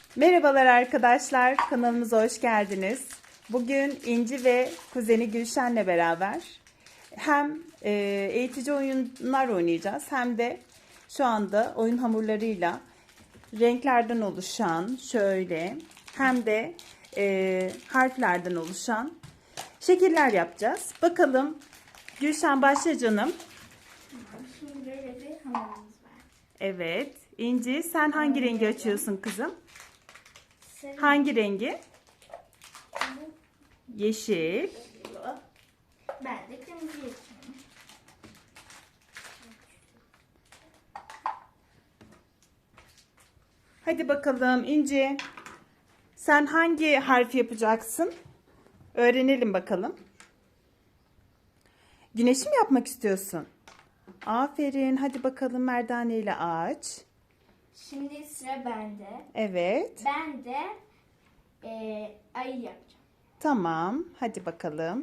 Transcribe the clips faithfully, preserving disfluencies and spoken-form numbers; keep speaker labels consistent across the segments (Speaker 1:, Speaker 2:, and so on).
Speaker 1: Merhabalar arkadaşlar, kanalımıza hoş geldiniz. Bugün İnci ve kuzeni Gülşen'le beraber hem e, eğitici oyunlar oynayacağız hem de şu anda oyun hamurlarıyla renklerden oluşan şöyle hem de e, harflerden oluşan şekiller yapacağız. Bakalım Gülşen başla canım.
Speaker 2: Şimdi böyle bir hamurumuz var.
Speaker 1: Evet. İnci sen hangi rengi açıyorsun kızım?
Speaker 2: Sarı
Speaker 1: Hangi rengi?
Speaker 2: bu
Speaker 1: Yeşil.
Speaker 2: Ben de kırmızı yapıyorum.
Speaker 1: Hadi bakalım İnci. Sen hangi harfi yapacaksın? Öğrenelim bakalım. Güneşi mi yapmak istiyorsun? Aferin. Hadi bakalım merdane ile aç.
Speaker 2: Şimdi sıra bende.
Speaker 1: Evet.
Speaker 2: Ben de e, ayı yapacağım.
Speaker 1: Tamam. Hadi bakalım.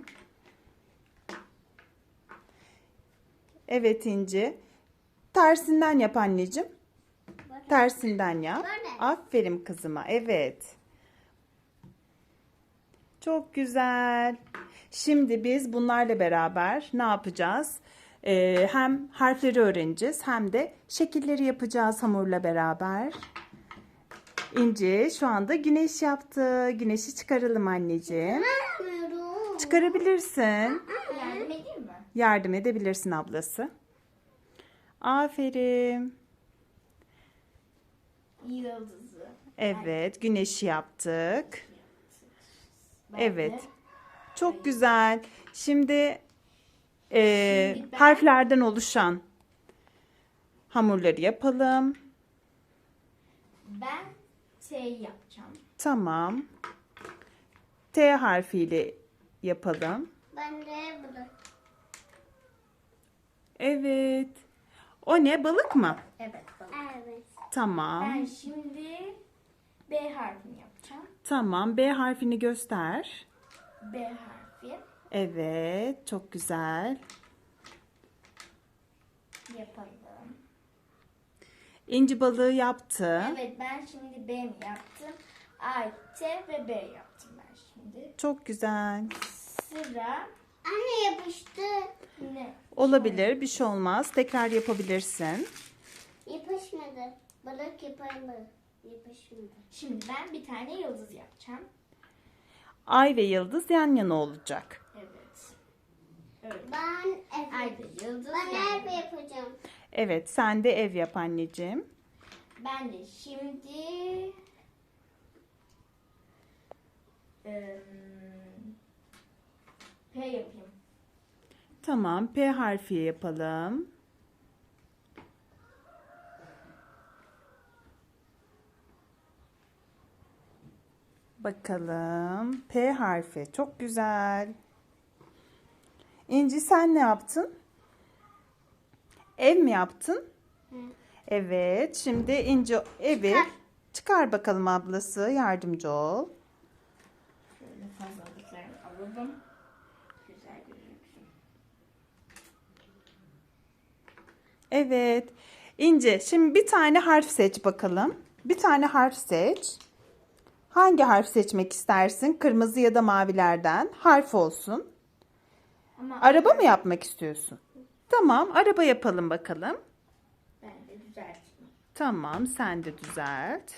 Speaker 1: Evet İnci. Tersinden yap anneciğim. Tersinden yap.
Speaker 2: Böyle.
Speaker 1: Aferin kızıma. Evet. Çok güzel. Şimdi biz bunlarla beraber ne yapacağız? Ee, hem harfleri öğreneceğiz hem de şekilleri yapacağız hamurla beraber. İnci şu anda güneş yaptı. Güneşi çıkaralım anneciğim. Çıkarabilirsin.
Speaker 2: Yardım edeyim mi?
Speaker 1: Yardım edebilirsin ablası. Aferin.
Speaker 2: Yıldızı.
Speaker 1: Evet, güneşi yaptık.
Speaker 2: Ben
Speaker 1: Evet.
Speaker 2: de
Speaker 1: Çok güzel. Şimdi, e,
Speaker 2: Şimdi ben-
Speaker 1: harflerden oluşan hamurları yapalım.
Speaker 2: Ben T yapacağım.
Speaker 1: Tamam. T harfiyle yapalım.
Speaker 2: Ben de bunu.
Speaker 1: Evet. O ne? Balık mı?
Speaker 2: Evet. Balık. Evet.
Speaker 1: Tamam.
Speaker 2: Ben şimdi B harfini yapacağım.
Speaker 1: Tamam. B harfini göster.
Speaker 2: B harfi
Speaker 1: Evet. Çok güzel.
Speaker 2: yapalım.
Speaker 1: İnci balığı yaptı.
Speaker 2: Evet, ben şimdi B mi yaptım? A, T ve B yaptım ben şimdi.
Speaker 1: Çok güzel.
Speaker 2: Sıra
Speaker 3: Anne yapıştı.
Speaker 2: ne?
Speaker 1: Olabilir. Bir şey olmaz. Tekrar yapabilirsin.
Speaker 3: Yapışmadı. Balık yapamadı. Yapışmadı.
Speaker 2: Şimdi ben bir tane yıldız yapacağım.
Speaker 1: Ay ve yıldız yan yana olacak.
Speaker 2: Evet. Öyle.
Speaker 3: Ben ev,
Speaker 2: Ay ve yıldız.
Speaker 3: ben
Speaker 2: yani.
Speaker 3: ev yapacağım.
Speaker 1: Evet. Sen de ev yap anneciğim.
Speaker 2: Ben de şimdi ım, P yapayım.
Speaker 1: Tamam. P harfi yapalım. Bakalım. P harfi. Çok güzel. İnci sen ne yaptın? Ev mi yaptın?
Speaker 3: Hı.
Speaker 1: Evet. Şimdi İnci evi
Speaker 3: Çıkar.
Speaker 1: çıkar bakalım ablası. Yardımcı ol.
Speaker 2: Şöyle fazlalıklarını alalım. Güzel gözüksün.
Speaker 1: Evet. İnci şimdi bir tane harf seç bakalım. Bir tane harf seç. Hangi harf seçmek istersin? Kırmızı ya da mavilerden. Harf olsun.
Speaker 2: Ama
Speaker 1: Araba mı yapmak istiyorsun? Tamam, araba yapalım bakalım.
Speaker 2: ben de düzelteyim.
Speaker 1: Tamam, sen de düzelt.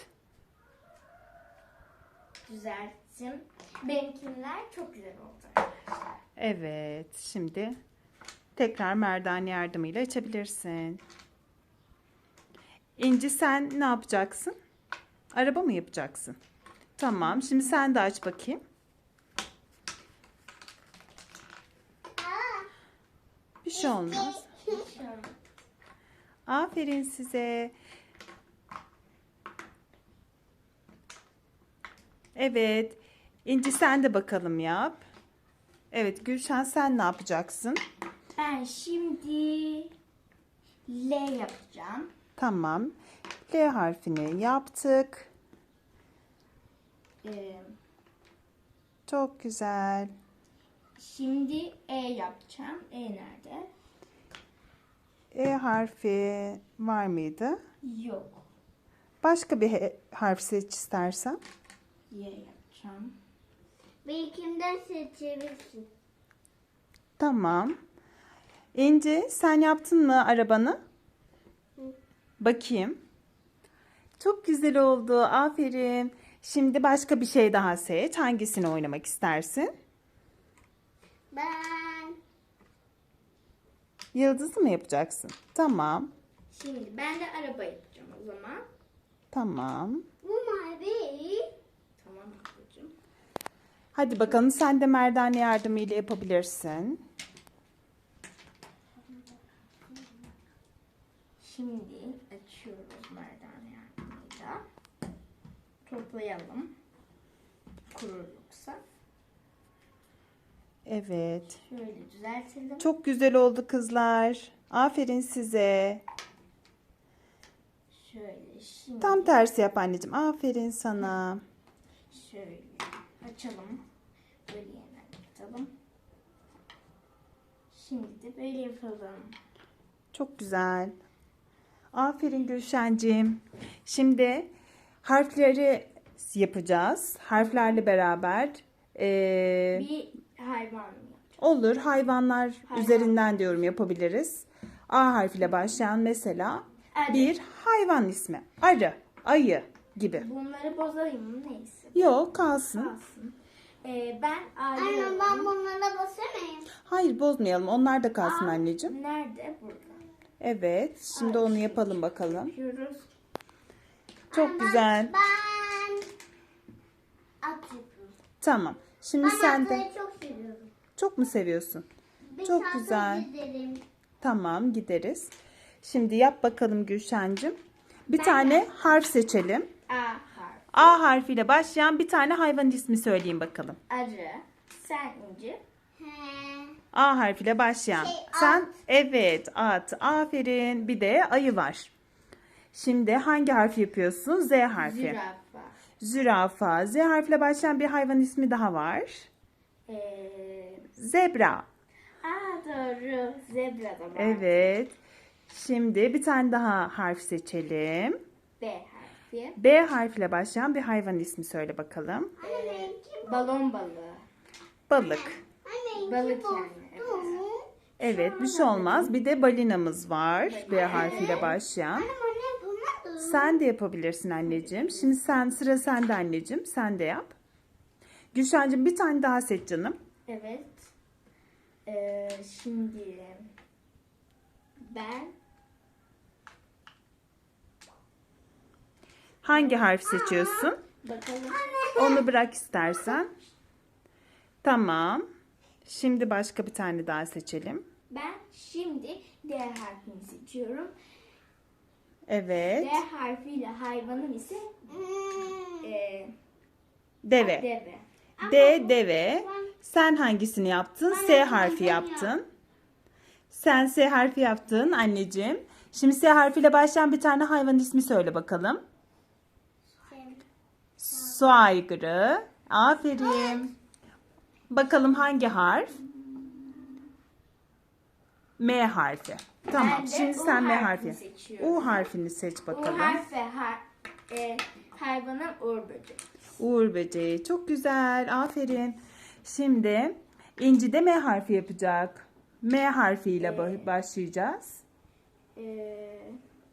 Speaker 2: Düzelttim. Benimkiler çok güzel oldu arkadaşlar.
Speaker 1: Evet, şimdi tekrar merdane yardımıyla açabilirsin. İnci sen ne yapacaksın? Araba mı yapacaksın? Tamam, şimdi sen de aç bakayım. Bir şey olmaz.
Speaker 2: Şöyle.
Speaker 1: Aferin size. Evet. İnci sen de bakalım yap. Evet Gülşen sen ne yapacaksın?
Speaker 2: Ben şimdi L yapacağım.
Speaker 1: Tamam. L harfini yaptık.
Speaker 2: Ee,
Speaker 1: Çok güzel.
Speaker 2: şimdi E yapacağım. E nerede?
Speaker 1: E harfi var mıydı?
Speaker 2: Yok.
Speaker 1: Başka bir he- harf seç istersen.
Speaker 2: Y yapacağım.
Speaker 3: Benimkinden seçebilirsin.
Speaker 1: Tamam. İnci, sen yaptın mı arabanı?
Speaker 3: Hı.
Speaker 1: Bakayım. Çok güzel oldu. Aferin. Şimdi başka bir şey daha seç. Hangisini oynamak istersin?
Speaker 3: Ben
Speaker 1: Yıldızı mı yapacaksın? Tamam.
Speaker 2: Şimdi ben de araba yapacağım o zaman.
Speaker 1: Tamam.
Speaker 3: bu mavi.
Speaker 2: Tamam babacığım.
Speaker 1: Hadi bakalım, sen de merdane yardımıyla yapabilirsin.
Speaker 2: Şimdi açıyoruz merdane yardımıyla. Toplayalım. Kurur yoksa.
Speaker 1: Evet.
Speaker 2: Şöyle düzeltelim.
Speaker 1: Çok güzel oldu kızlar. Aferin size.
Speaker 2: Şöyle şimdi
Speaker 1: Tam tersi yap anneciğim. Aferin sana.
Speaker 2: şöyle açalım. Böyle yeniden kapatalım. Şimdi de böyle yapalım.
Speaker 1: Çok güzel. Aferin Gülşen'cim. Şimdi harfleri yapacağız. Harflerle beraber eee,
Speaker 2: Bir hayvan mı?
Speaker 1: olur. Hayvanlar
Speaker 2: Hayvan.
Speaker 1: üzerinden diyorum yapabiliriz. A harfiyle başlayan mesela
Speaker 2: Arı.
Speaker 1: bir hayvan ismi. Arı, ayı gibi.
Speaker 2: Bunları bozayım mı? Neyse.
Speaker 1: Yok, kalsın.
Speaker 2: Kalsın. Ee, ben
Speaker 3: Anne
Speaker 2: arıyorum.
Speaker 3: ben bunlara basamayayım.
Speaker 1: Hayır, bozmayalım. Onlar da kalsın
Speaker 2: Aa,
Speaker 1: anneciğim.
Speaker 2: Nerede? Burada.
Speaker 1: Evet. Şimdi
Speaker 2: Ay,
Speaker 1: onu
Speaker 2: şey.
Speaker 1: yapalım bakalım.
Speaker 2: Yapıyoruz.
Speaker 1: Çok
Speaker 3: Ben-
Speaker 1: güzel.
Speaker 3: Ben at yapıyorum.
Speaker 1: Tamam. Şimdi
Speaker 3: Ben
Speaker 1: sen de
Speaker 3: atları çok seviyorum.
Speaker 1: çok mu seviyorsun?
Speaker 3: Bir
Speaker 1: Çok
Speaker 3: saate
Speaker 1: güzel.
Speaker 3: gidelim.
Speaker 1: Tamam, gideriz. Şimdi yap bakalım Gülşen'cim. Bir
Speaker 2: Ben
Speaker 1: tane harf seçelim.
Speaker 2: A harf.
Speaker 1: A harfiyle başlayan bir tane hayvan ismi söyleyin bakalım.
Speaker 2: Arı. Sen inci.
Speaker 3: He.
Speaker 1: A harfiyle başlayan.
Speaker 3: Şey,
Speaker 1: Sen
Speaker 3: at.
Speaker 1: evet, at. Aferin. Bir de ayı var. Şimdi hangi harfi yapıyorsun? Z harfi.
Speaker 2: Zürafa.
Speaker 1: Zürafa. Z harfiyle başlayan bir hayvan ismi daha var.
Speaker 2: Ee,
Speaker 1: Zebra.
Speaker 2: aa doğru. Zebra da var.
Speaker 1: Evet. Şimdi bir tane daha harf seçelim.
Speaker 2: B harfi.
Speaker 1: B harfiyle başlayan bir hayvan ismi söyle bakalım.
Speaker 3: Anne benimki
Speaker 2: Balon balığı.
Speaker 1: Balık.
Speaker 3: Anne
Speaker 2: Balık
Speaker 3: benimki
Speaker 2: yani,
Speaker 3: bozdu.
Speaker 1: Evet, bir şey olmaz. Bir de balinamız var. B harfiyle başlayan.
Speaker 3: Anne anne yapamadı.
Speaker 1: Sen de yapabilirsin anneciğim. Şimdi sen, sıra sende anneciğim. Sen de yap. Gülşen'cim bir tane daha seç canım.
Speaker 2: Evet. Ee, şimdi ben
Speaker 1: Hangi harf seçiyorsun?
Speaker 2: bakalım.
Speaker 1: Onu bırak istersen. Tamam. Şimdi başka bir tane daha seçelim.
Speaker 2: Ben şimdi D harfini seçiyorum.
Speaker 1: Evet.
Speaker 2: D harfiyle hayvanın ise
Speaker 3: Hmm.
Speaker 2: e,
Speaker 1: Deve.
Speaker 2: deve.
Speaker 1: D deve. Sen hangisini yaptın? S harfi yaptın. Sen S harfi yaptın anneciğim. Şimdi S harfiyle başlayan bir tane hayvan ismi söyle bakalım. Su aygırı. Aferin. Bakalım hangi harf? M harfi. Tamam.
Speaker 2: Ben de
Speaker 1: Şimdi
Speaker 2: U
Speaker 1: sen M
Speaker 2: harfini
Speaker 1: harfi.
Speaker 2: seçiyorum.
Speaker 1: U harfini seç
Speaker 2: Bu
Speaker 1: bakalım.
Speaker 2: harf ve har, e, hayvanın uğur böceği.
Speaker 1: Uğur böceği. Çok güzel. Aferin. Şimdi İnci de M harfi yapacak. M harfiyle ba- başlayacağız.
Speaker 2: Ee,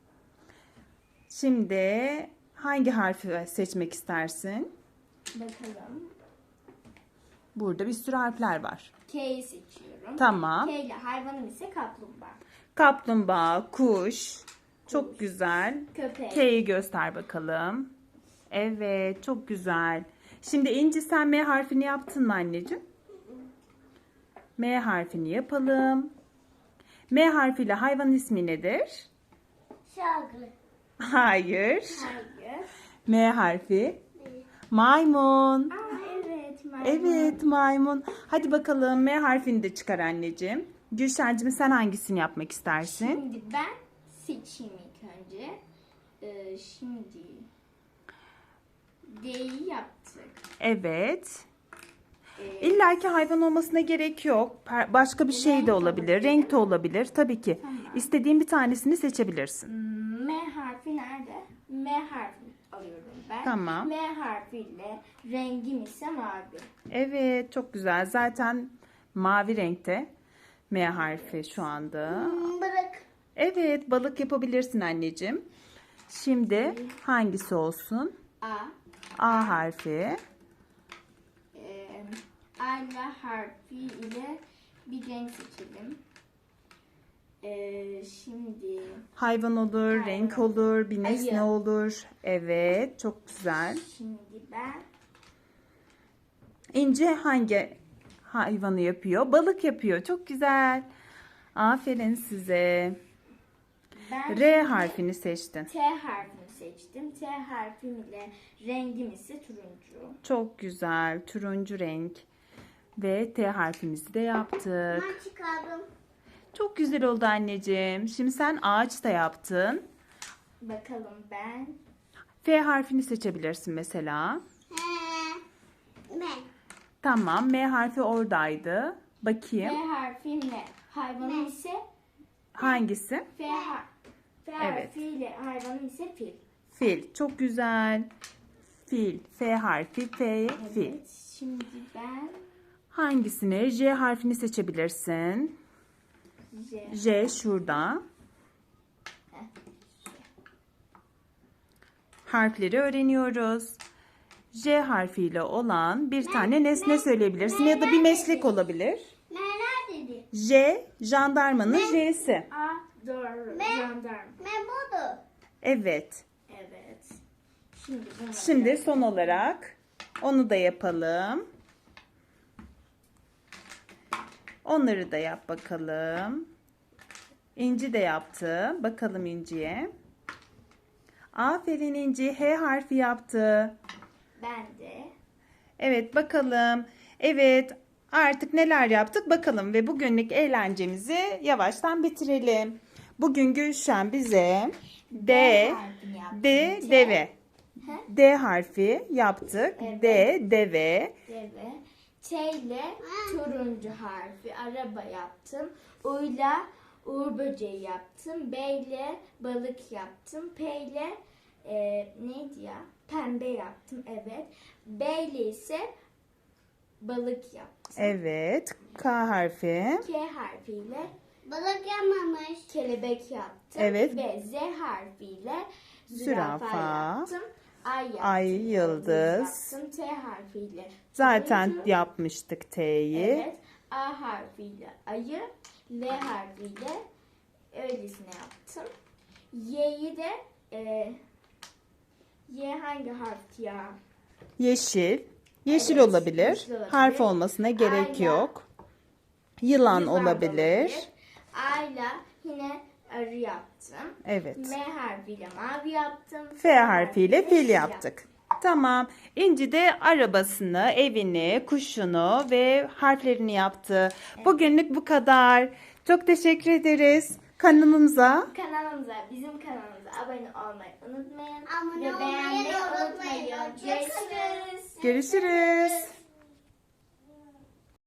Speaker 1: Şimdi hangi harfi seçmek istersin?
Speaker 2: bakalım.
Speaker 1: Burada bir sürü harfler var.
Speaker 2: K'yi seçiyorum.
Speaker 1: Tamam.
Speaker 2: K ile hayvanım ise kaplumbağa.
Speaker 1: Kaplumbağa, kuş. Çok güzel.
Speaker 2: Köpek.
Speaker 1: K'yi göster bakalım. Evet, çok güzel. Şimdi İnci, sen M harfini yaptın mı anneciğim? M harfini yapalım. M harfiyle hayvan ismi nedir?
Speaker 3: Şarkı.
Speaker 1: Hayır.
Speaker 2: Hayır.
Speaker 1: M harfi. Maymun.
Speaker 2: Aa evet. maymun.
Speaker 1: Evet, maymun. Hadi bakalım, M harfini de çıkar anneciğim. Gülşen'cim, sen hangisini yapmak istersin?
Speaker 2: Şimdi ben seçeyim ilk önce. Ee, şimdi D'yi yaptık.
Speaker 1: Evet.
Speaker 2: Ee,
Speaker 1: İlla ki hayvan olmasına gerek yok. Per- Başka bir şey
Speaker 2: Renk
Speaker 1: de olabilir.
Speaker 2: olabilir.
Speaker 1: Renk de olabilir. Tabii ki.
Speaker 2: Tamam.
Speaker 1: İstediğin bir tanesini seçebilirsin.
Speaker 2: M harfi nerede? M harfi. alıyorum ben.
Speaker 1: Tamam.
Speaker 2: M harfiyle rengim ise mavi.
Speaker 1: Evet, çok güzel. Zaten mavi renkte M harfi şu anda.
Speaker 3: Hmm, Bırak.
Speaker 1: Evet, balık yapabilirsin anneciğim. Şimdi hangisi olsun?
Speaker 2: A.
Speaker 1: A harfi.
Speaker 2: E, Ayla harfi ile bir renk seçelim. E, şimdi
Speaker 1: Hayvan olur,
Speaker 2: Hayvan.
Speaker 1: renk olur, bir nesne
Speaker 2: Ayı.
Speaker 1: olur. Evet, çok güzel.
Speaker 2: şimdi ben
Speaker 1: İnci hangi hayvanı yapıyor? Balık yapıyor. Çok güzel. Aferin size.
Speaker 2: ben
Speaker 1: R harfini seçtin.
Speaker 2: T harfini seçtim. T harfim ile rengim ise turuncu.
Speaker 1: Çok güzel. Turuncu renk. Ve T harfimizi de yaptık.
Speaker 3: Ben çıkardım.
Speaker 1: Çok güzel oldu anneciğim. Şimdi sen ağaç da yaptın.
Speaker 2: Bakalım ben
Speaker 1: F harfini seçebilirsin mesela.
Speaker 3: He. Ben.
Speaker 1: Tamam. M harfi oradaydı.
Speaker 2: F
Speaker 1: Bakayım.
Speaker 2: harfimle hayvanım ise
Speaker 1: Hangisi?
Speaker 2: F, har F
Speaker 1: Evet.
Speaker 2: harfiyle hayvanım ise fil.
Speaker 1: Fil. Çok güzel. Fil. F harfi. F. Fil.
Speaker 2: Evet. Şimdi ben
Speaker 1: Hangisini? J harfini seçebilirsin.
Speaker 2: J.
Speaker 1: J şurada. Harfleri öğreniyoruz. J harfiyle olan bir tane nesne söyleyebilirsin ya da bir meslek olabilir.
Speaker 3: Neler dedi?
Speaker 1: J, jandarmanın J'si.
Speaker 2: A. Doğru.
Speaker 3: Ben-
Speaker 2: Jandarma.
Speaker 3: Ben buldum.
Speaker 1: Evet.
Speaker 2: Evet. Şimdi bunu
Speaker 1: Şimdi son olarak onu da yapalım. Onları da yap bakalım. İnci de yaptı. Bakalım İnci'ye. Aferin İnci. H harfi yaptı.
Speaker 2: ben de
Speaker 1: Evet bakalım. Evet artık neler yaptık bakalım ve bugünlük eğlencemizi yavaştan bitirelim. Bugün Gülşen bize D,
Speaker 2: harfini yaptım.
Speaker 1: D,
Speaker 2: T,
Speaker 1: deve.
Speaker 2: Hı?
Speaker 1: D harfi yaptık.
Speaker 2: Evet.
Speaker 1: D, deve.
Speaker 2: Deve. T ile turuncu harfi araba yaptım. U ile uğur böceği yaptım. B ile balık yaptım. P ile e, neydi ya? Pembe yaptım. Evet. B ile ise balık yaptım.
Speaker 1: Evet. K harfi.
Speaker 2: K harfiyle
Speaker 3: Balık yapmamış.
Speaker 2: kelebek yaptım.
Speaker 1: Evet.
Speaker 2: Ve Z harfiyle
Speaker 1: Zürafa.
Speaker 2: zürafa yaptım. Ay yaptım.
Speaker 1: Ay, yıldız.
Speaker 2: Yaptım. T harfiyle
Speaker 1: Zaten
Speaker 2: turuncu.
Speaker 1: yapmıştık T'yi.
Speaker 2: Evet. A harfiyle ayı, L harfiyle öylesine yaptım. Y'yi de e, Y hangi harf ya?
Speaker 1: Yeşil. Yeşil
Speaker 2: Evet,
Speaker 1: olabilir.
Speaker 2: yeşil olabilir.
Speaker 1: Harf olmasına gerek
Speaker 2: Ayla.
Speaker 1: yok. Yılan,
Speaker 2: Yılan
Speaker 1: olabilir.
Speaker 2: A'yla yine arı yaptım.
Speaker 1: Evet.
Speaker 2: M harfiyle mavi yaptım.
Speaker 1: F harfiyle fil yaptık. Tamam. İnci de arabasını, evini, kuşunu ve harflerini yaptı. Bugünlük bu kadar. Çok teşekkür ederiz. Kanalımıza
Speaker 2: Kanalımıza, bizim kanalımıza abone olmayı unutmayın.
Speaker 3: Abone
Speaker 2: Ve
Speaker 3: olmayı
Speaker 2: beğenmeyi
Speaker 3: unutmayın.
Speaker 2: unutmayın.
Speaker 3: Hoşçakalın.
Speaker 2: Görüşürüz.
Speaker 1: görüşürüz.